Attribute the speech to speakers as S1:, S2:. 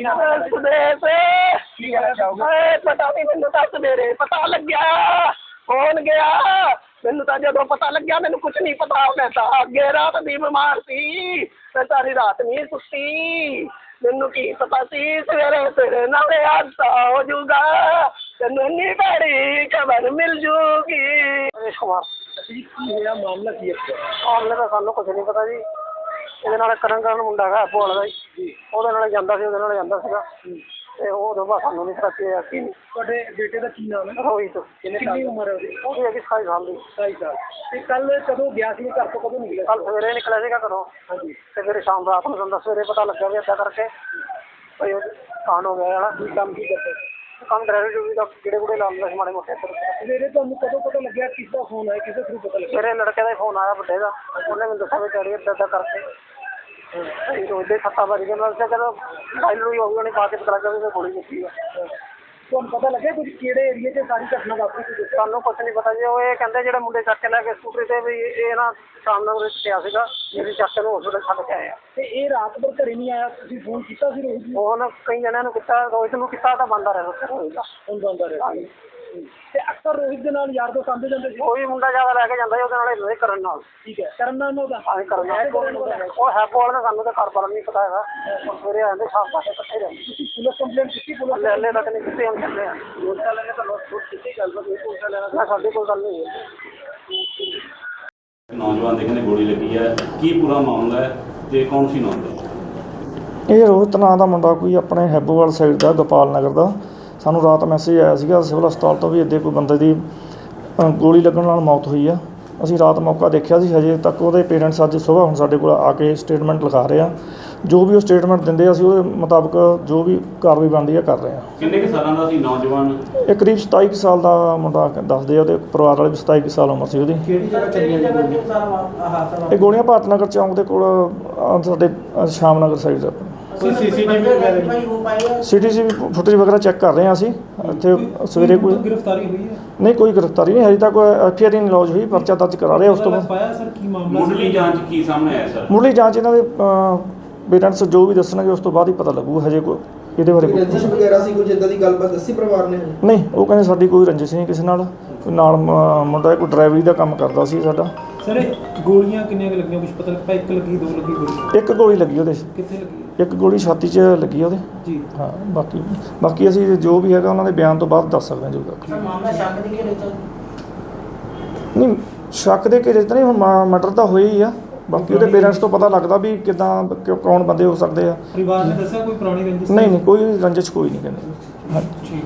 S1: पता नहीं मैनू दस मेरे पता लग गया कौन गया मैनू तो जो पता लग्या मैनू कुछ नहीं पता मैं तो अगे रात दी बीमार सी मैं सारी रात नहीं सुती मैनू की पता सी सवेरे तेरे नाल हादसा हो जूगा तेनू इन्नी भैड़ी खबर मिल जूगी।
S2: मामला की
S1: मामले का सानू कुछ नहीं पता जी ਇਹਦੇ ਨਾਲ ਕਰਨ ਮੁੰਡਾ ਹੈਗਾ ਭੋਲ ਦਾ ਜੀ ਉਹਦੇ ਨਾਲ ਜਾਂਦਾ ਸੀ ਤੇ ਉਹ ਤੋਂ ਬਾਅਦ ਸਾਨੂੰ ਨਹੀਂ ਪਤਾ ਕੀ
S2: ਤੁਹਾਡੇ ਬੇਟੇ ਦਾ ਕੀ ਨਾਮ ਹੈ?
S1: ਰੋਹਿਤ।
S2: ਕਿੰਨੀ ਉਮਰ ਹੈ ਉਹਦੀ?
S1: ਉਹਦੀ ਹੈਗੀ 27 ਸਾਲ ਦੀ।
S2: 27 ਸਾਲ। ਤੇ ਕੱਲ ਕਦੋਂ ਗਿਆ ਸੀ ਘਰ ਤੋਂ ਕਦੋਂ ਨਿਕਲਿਆ?
S1: ਕੱਲ ਸਵੇਰੇ ਨਿਕਲਿਆ ਸੀਗਾ ਘਰੋਂ।
S2: ਹਾਂਜੀ।
S1: ਤੇ ਫਿਰ ਸ਼ਾਮ ਰਾਤ ਨੂੰ ਜਾਂਦਾ ਸਵੇਰੇ ਪਤਾ ਲੱਗਾ ਵੀ ਏਦਾਂ ਕਰਕੇ ਭਈ ਕਾਂਡ ਹੋ ਗਿਆ ਵਾਲਾ।
S2: ਕੀ ਕੰਮ ਕੀ ਕਰਦੇ?
S1: ਕੰਮ ਡਰਾਈਵਰ ਡਿਊਟੀ ਦਾ ਕਿਹੜੇ ਕੁੜੇ ਲਾਉਂਦਾ ਸੀ ਮਾੜੇ ਮੋਟੇ।
S2: ਸਵੇਰੇ ਤੁਹਾਨੂੰ ਕਦੋਂ ਪਤਾ ਲੱਗਿਆ ਕਿਸ ਦਾ ਫੋਨ ਆਇਆ ਕਿਸੇ ਥਰੂ ਪਤਾ ਲੱਗਿਆ?
S1: ਮੇਰੇ ਲੜਕੇ ਦਾ ਹੀ ਫੋਨ ਆਇਆ ਵੱਡੇ ਦਾ ਉਹਨੇ ਮੈਨੂੰ ਦੱਸਿਆ ਵੀ ਡੈਡੀ ਏਦਾਂ ਕਰਕੇ ਰੋਜ਼ ਸੱਤਾ ਵਾਰੀ ਦੇ ਨਾਲ ਜਦੋਂ ਫਾਈਲ ਹੋਈ ਹੋਊਗੀ ਉਹਨੇ ਪਾ ਕੇ ਪਤਾ ਲੱਗਾ ਵੀ ਗੋਲੀ ਦਿੱਤੀ ਆ।
S2: ਤੁਹਾਨੂੰ ਪਤਾ ਲੱਗਿਆ ਕੁਝ ਕਿਹੜੇ ਏਰੀਏ 'ਚ ਸਾਰੀ ਘਟਨਾ ਵਾਪਰੀ ਸੀ?
S1: ਸਾਨੂੰ ਕੁਛ ਨਹੀਂ ਪਤਾ ਜੀ ਉਹ ਇਹ ਕਹਿੰਦੇ ਜਿਹੜੇ ਮੁੰਡੇ ਚੱਕ ਕੇ ਲੈ ਕੇ ਸਕੂਟਰੀ ਤੇ ਵੀ ਇਹ ਨਾ ਸ਼ਾਮ ਨੂੰ ਪਿਆ ਸੀਗਾ ਜਿਹੜੀ ਚੱਕ ਕੇ ਨੂੰ ਹਸਪੀਟਲ ਛੱਡ ਕੇ ਆਇਆ।
S2: ਤੇ ਇਹ ਰਾਤ ਭਰ ਘਰੇ ਨਹੀਂ ਆਇਆ ਤੁਸੀਂ ਫੋਨ ਕੀਤਾ ਸੀ ਰੋਹਿਤ ਨੂੰ?
S1: ਫੋਨ ਕਈ ਜਣਿਆਂ ਨੂੰ ਕੀਤਾ ਰੋਹਿਤ ਨੂੰ ਕੀਤਾ ਤਾਂ ਬੰਦਾ ਰਿਹਾ ਰੋਹਿਤ ਦਾ।
S2: ਹੁਣ ਬੰਦਾ ਰਿਹਾ। ਤੇ ਅਕਸਰ ਰੋਹਿਤ ਦੇ ਨਾਲ ਯਾਰ ਦੋਸਤ ਆਉਂਦੇ ਜਾਂਦੇ ਸੀ?
S1: ਕੋਈ ਮੁੰਡਾ ਜ਼ਿਆਦਾ ਲੈ ਕੇ ਜਾਂਦਾ ਸੀ ਉਹਦੇ ਨਾਲ ਹੀ ਕਰਨ ਨਾਲ।
S2: ਠੀਕ ਹੈ। ਕਰਨ ਨਾਲ ਉਹਦਾ?
S1: ਹਾਂ ਕਰਨ ਨਾਲ। ਉਹ ਹੈ ਕੋਲ ਨਾ ਸਾਨੂੰ ਤਾਂ ਘਰ ਬਾਰੇ ਨਹੀਂ ਪਤਾ ਹੈਗਾ। ਸਵੇਰੇ ਆਉਂਦੇ ਸ਼ਾਮ ਤੱਕ ਇਕੱਠੇ ਰਹਿੰਦੇ।
S2: ਤੁਸੀਂ ਪੁਲਿਸ ਕੰਪਲੇਂਟ ਕੀਤੀ? ਪੁਲਿਸ
S1: ਹਲੇ ਤੱਕ ਨਹੀਂ ਕੀਤੀ। ਹੁਣ ਚੱਲੇ ਆ ਪੁਲਿਸ ਵਾਲਿਆਂ ਨੇ ਤਾਂ ਨੋਟ ਕੀਤੀ ਗੱਲਬਾਤ ਹੋਈ ਪੁਲਿਸ ਵਾਲਿਆਂ ਨਾਲ ਸਾਡੀ ਕੋਈ ਗੱਲ ਨਹੀਂ ਹੋਈ।
S3: ਨੌਜਵਾਨ ਦੇ ਕਹਿੰਦੇ ਗੋਲੀ ਲੱਗੀ ਹੈ ਕੀ ਪੂਰਾ ਮਾਮਲਾ ਹੈ ਤੇ ਕੌਣ ਸੀ ਨੌਜਵਾਨ?
S4: ਇਹ ਰੋਹਿਤ ਨਾਂ ਦਾ ਮੁੰਡਾ ਕੋਈ ਆਪਣੇ ਹੈਬੋਵਾਲ ਸਾਈਡ ਦਾ ਗੋਪਾਲ ਨਗਰ ਦਾ। ਸਾਨੂੰ ਰਾਤ ਮੈਸੇਜ ਆਇਆ ਸੀਗਾ ਸਿਵਲ ਹਸਪਤਾਲ ਤੋਂ ਵੀ ਇੱਦਾਂ ਕੋਈ ਬੰਦੇ ਦੀ ਗੋਲੀ ਲੱਗਣ ਨਾਲ ਮੌਤ ਹੋਈ ਆ। ਅਸੀਂ ਰਾਤ ਮੌਕਾ ਦੇਖਿਆ ਸੀ। ਹਜੇ ਤੱਕ ਉਹਦੇ ਪੇਰੈਂਟਸ ਅੱਜ ਸੁਬਾਹ ਹੁਣ ਸਾਡੇ ਕੋਲ ਆ ਕੇ ਸਟੇਟਮੈਂਟ ਲਿਖਾ ਰਹੇ ਆ। ਜੋ ਵੀ ਉਹ ਸਟੇਟਮੈਂਟ ਦਿੰਦੇ ਆ ਅਸੀਂ ਉਹਦੇ ਮੁਤਾਬਕ ਜੋ ਵੀ ਕਾਰਵਾਈ ਬਣਦੀ ਆ ਕਰ ਰਹੇ ਆ।
S3: ਕਿੰਨੇ ਕੁ ਸਾਲਾਂ ਦਾ ਸੀ ਨੌਜਵਾਨ?
S4: ਇਹ ਕਰੀਬ 27 ਕੁ ਸਾਲ ਦਾ ਮੁੰਡਾ ਦੱਸਦੇ ਆ। ਉਹਦੇ ਪਰਿਵਾਰ ਵਾਲੇ ਵੀ 27 ਕੁ ਸਾਲ ਉਮਰ ਸੀ ਉਹਦੀ।
S2: ਕਿਹੜੀ ਜਗ੍ਹਾ ਚੱਲੀਆਂ ਗੋਲੀਆਂ?
S4: ਇਹ ਗੋਲੀਆਂ ਭਾਰਤ ਨਗਰ ਚੌਂਕ ਦੇ ਕੋਲ ਸਾਡੇ ਸ਼ਾਮ ਨਗਰ ਸਾਈਡ ਦਾ। CCTV ਫੁਟੇਜ ਵਗੈਰਾ ਚੈੱਕ ਕਰ ਰਹੇ ਹਾਂ ਅਸੀਂ। ਇੱਥੇ ਸਵੇਰੇ ਕੋਈ
S2: ਗ੍ਰਿਫਤਾਰੀ ਹੋਈ ਹੈ?
S4: ਨਹੀਂ ਕੋਈ ਗ੍ਰਿਫਤਾਰੀ ਨਹੀਂ ਹਜੇ ਤੱਕ। FIR ਨਹੀਂ ਲੌਜ ਹੋਈ। ਪਰਚਾ ਦਰਜ ਕਰਾ ਰਹੇ ਉਸ ਤੋਂ ਬਾਅਦ।
S2: ਪਾਇਆ ਸਰ ਕੀ ਮਾਮਲਾ?
S3: ਮੁੱਢਲੀ ਜਾਂਚ ਕੀ ਸਾਹਮਣੇ ਆਇਆ ਸਰ?
S4: ਮੁੱਢਲੀ ਜਾਂਚ ਇਹਨਾਂ ਦੇ ਪੇਰੈਂਟਸ ਜੋ ਵੀ ਦੱਸਣਗੇ ਉਸ ਤੋਂ ਬਾਅਦ ਹੀ ਪਤਾ ਲੱਗੂ। ਹਜੇ ਕੋਈ ਇਹਦੇ ਬਾਰੇ
S5: ਰੰਜਿਸ਼ ਵਗੈਰਾ ਸੀ ਕੁਝ ਇਦਾਂ ਦੀ ਗੱਲਬਾਤ ਦੱਸੀ ਪਰਿਵਾਰ ਨੇ?
S4: ਨਹੀਂ ਉਹ ਕਹਿੰਦੇ ਸਾਡੀ ਕੋਈ ਰੰਜਿਸ਼ ਨਹੀਂ ਕਿਸੇ ਨਾਲ। ਨਾਲ ਮੁੰਡਾ ਕੋਈ ਡਰਾਈਵਰੀ ਦਾ ਕੰਮ ਕਰਦਾ ਸੀ ਸਾਡਾ।
S2: ਸਰ ਗੋਲੀਆਂ ਕਿੰਨੀਆਂ ਕੁ ਲੱਗੀਆਂ ਕੁਝ ਪਤਾ ਲੱਗਾ? ਇੱਕ ਲੱਗੀ ਦੋ ਲੱਗੀ ਗੋਲੀ?
S4: ਇੱਕ ਗੋਲੀ ਲੱਗੀ ਉਹਦੇ।
S2: ਕਿੱਥੇ ਲੱਗੀ?
S4: ਇੱਕ ਗੋਲੀ ਛਾਤੀ 'ਚ ਲੱਗੀ ਉਹਦੇ
S2: ਜੀ।
S4: ਹਾਂ ਬਾਕੀ ਅਸੀਂ ਜੋ ਵੀ ਹੈਗਾ ਉਹਨਾਂ ਦੇ ਬਿਆਨ ਤੋਂ ਬਾਅਦ ਦੱਸ ਸਕਦੇ ਹਾਂ ਜੋ
S6: ਮਾਮਲਾ ਸ਼ੱਕ ਦੇ ਘੇਰੇ 'ਚ
S4: ਨਹੀਂ। ਸ਼ੱਕ ਦੇ ਘੇਰੇ 'ਚ ਤਾਂ ਨਹੀਂ। ਹੁਣ ਮਰਡਰ ਤਾਂ ਹੋਇਆ ਹੀ ਆ। ਬਾਕੀ ਉਹਦੇ ਪੇਰੈਂਟਸ ਤੋਂ ਪਤਾ ਲੱਗਦਾ ਵੀ ਕਿੱਦਾਂ ਕੌਣ ਬੰਦੇ ਹੋ ਸਕਦੇ ਆ।
S2: ਪਰਿਵਾਰ ਨੇ ਦੱਸਿਆ ਕੋਈ ਪੁਰਾਣੀ ਰੰਜਿਸ਼?
S4: ਨਹੀਂ ਕੋਈ ਰੰਜਿਸ਼ ਕੋਈ ਨਹੀਂ ਕਹਿੰਦੇ। ਹਾਂਜੀ।